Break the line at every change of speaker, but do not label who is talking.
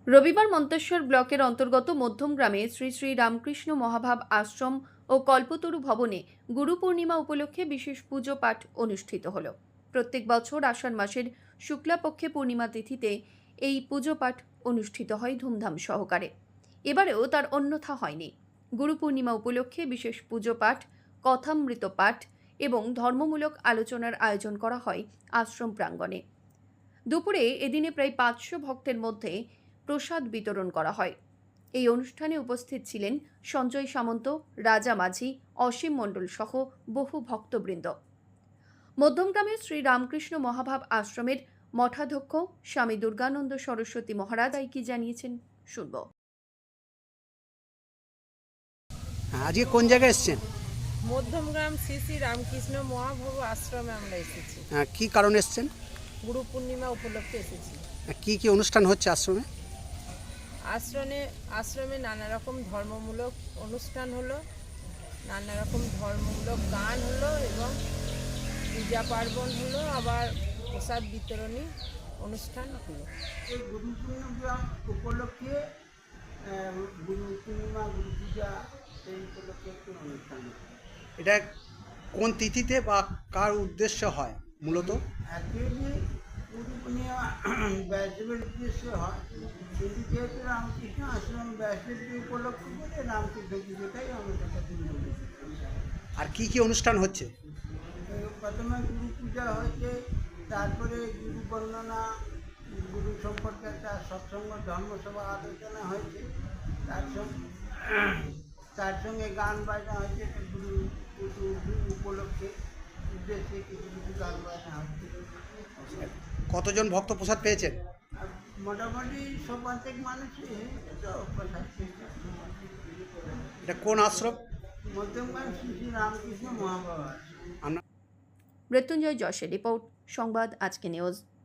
রবিবার মন্তেশ্বর ব্লকের অন্তর্গত মধ্যমগ্রামে শ্রী শ্রী রামকৃষ্ণ মহাভাব আশ্রম ও কল্পতরু ভবনে গুরু পূর্ণিমা উপলক্ষে বিশেষ পুজো পাঠ অনুষ্ঠিত হল। প্রত্যেক বছর আষাঢ় মাসের শুক্লাপক্ষে পূর্ণিমা তিথিতে এই পুজো পাঠ অনুষ্ঠিত হয় ধুমধাম সহকারে। এবারেও তার অন্যথা হয়নি। গুরু পূর্ণিমা উপলক্ষে বিশেষ পুজো পাঠ, কথামৃত পাঠ এবং ধর্মমূলক আলোচনার আয়োজন করা হয় আশ্রম প্রাঙ্গণে। দুপুরে এদিনে প্রায় 500 ভক্তের মধ্যে প্রসাদ বিতরণ করা হয়। এই অনুষ্ঠানে উপস্থিত ছিলেন সঞ্জয় সামন্ত, রাজা মাঝি, অসীম মণ্ডল সহ বহু ভক্তবৃন্দ। মধ্যমগ্রামের শ্রী রামকৃষ্ণ মহাভাব আশ্রমের মঠাধ্যক্ষ স্বামী দুর্গানন্দ সরস্বতী মহারাজ কি জানিয়েছেন শুনব।
আজকে কোন জায়গায় এসেছেন?
মধ্যমগ্রাম শ্রী শ্রী রামকৃষ্ণ মহাভাব আশ্রমে আমরা এসেছি।
কি কারণে এসেছেন?
গুরু পূর্ণিমা উপলক্ষে এসেছি।
কি কি অনুষ্ঠান হচ্ছে আশ্রমে?
আশ্রমে নানা রকম ধর্মমূলক অনুষ্ঠান হলো, নানা রকম ধর্মমূলক গান হলো এবং পূজা পার্বণ হলো, আবার প্রসাদ বিতরণী অনুষ্ঠান হলো।
এই গুরু পূর্ণিমা উপলক্ষে গুরু পূর্ণিমা, গুরু পূজা এই উপলক্ষে একটি অনুষ্ঠান।
এটা কোন তিথিতে বা কার উদ্দেশ্য হয় মূলত?
অ্যাকচুয়ালি গুরু পূর্ণিমা ব্যাসদেবের উদ্দেশ্যে হয়, কিন্তু যেহেতু রামকৃষ্ণ আশ্রম ব্যাসদেবকে উপলক্ষ করে রামকৃষ্ণ পুজোটাই আমাদের কাছে মূল।
আর কি কি অনুষ্ঠান হচ্ছে?
প্রথমে গুরু পূজা হয়েছে, তারপরে গুরু বর্ণনা, গুরু সম্পর্কে একটা সৎসঙ্গ ধর্মসভা আলোচনা হয়েছে, তার সঙ্গে গান বাজনা হয়েছে। গুরু উপলক্ষে উদ্দেশ্যে কিছু কিছু গান বাজনা হচ্ছে।
কতজন ভক্ত প্রসাদ পেয়েছেন?
আর মোটামুটি সব প্রত্যেক মানুষই তো প্রসাদ পেয়েছে।
এটা কোন আশ্রম?
মধ্যমগ্রাম শ্রী শ্রী রামকৃষ্ণ মহাভাব।
মৃত্যুঞ্জয় যশের রিপোর্ট, সংবাদ আজকে নিউজ।